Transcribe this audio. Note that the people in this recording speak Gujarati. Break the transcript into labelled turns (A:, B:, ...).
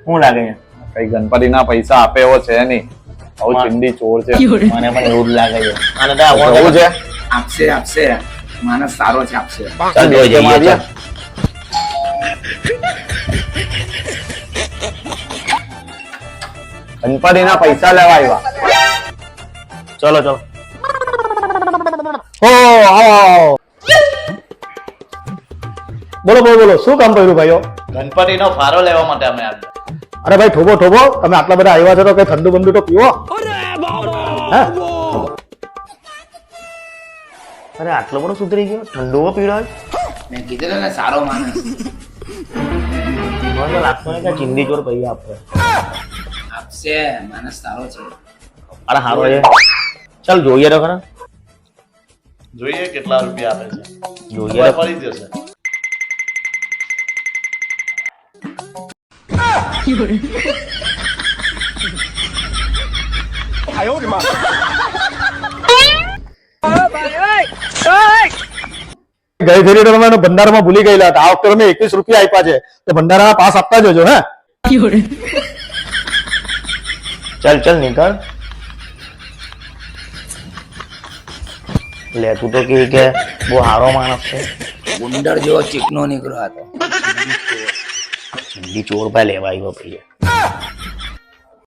A: શું લાગે છે?
B: કઈ ગણપતિના પૈસા આપે એવો છે નહીં. બહુ ચિંદી ચોર છે.
A: મને પણ એવું જ લાગે છે. અને તો
B: એવું છે.
C: આપશે માણસ સારો છે, આપશે.
A: ચાલ જોઈ જઈએ
B: મારીએ. ગણપતિના પૈસા લેવા આવ્યા.
A: ચલો ચલો.
D: ઓ આવો બોલો બોલો બોલો, શું કામ કર્યું ભાઈઓ?
B: ગણપતિનો ફારો લેવા માટે અમે આવ્યા.
D: અરે ભાઈ થોભો થોભો, તમે આટલા બધા આવ્યા છો તો કઈ ઠંડુ બંડુ તો પીવો. હે?
A: અરે આટલો બધો સુધરી ગયો? ઠંડો પીવડાવે?
C: મેં કીધું ને સારો માણસ.
A: મને તો લાગતો નહીં કે ચિંદી ચોર પૈસા આપે.
C: આપશે, માણસ સારો છે.
A: અરે હારો છે. ચાલ જોઈએ તો ખરા.
B: જોઈએ કેટલા રૂપિયા આપે છે.
A: જોઈએ તો.
B: ફરી જશે.
D: ગઈ ફેરી તો તમે ભંડારામાં ભૂલી ગયેલા હતા. આ વખતે તમે 21 રૂપિયા આપ્યા છે તો ભંડારાના પાસ આપતા જજો. હે
A: ચાલ ચાલ નીકળ. લે તું તો કે બહુ સારો માણસ છે.
C: ગુંડર જેવો ચીકનો નીકળ્યો હતો.
A: ચિંદી ચોર ભાઈ લેવા આવ્યો ભાઈ.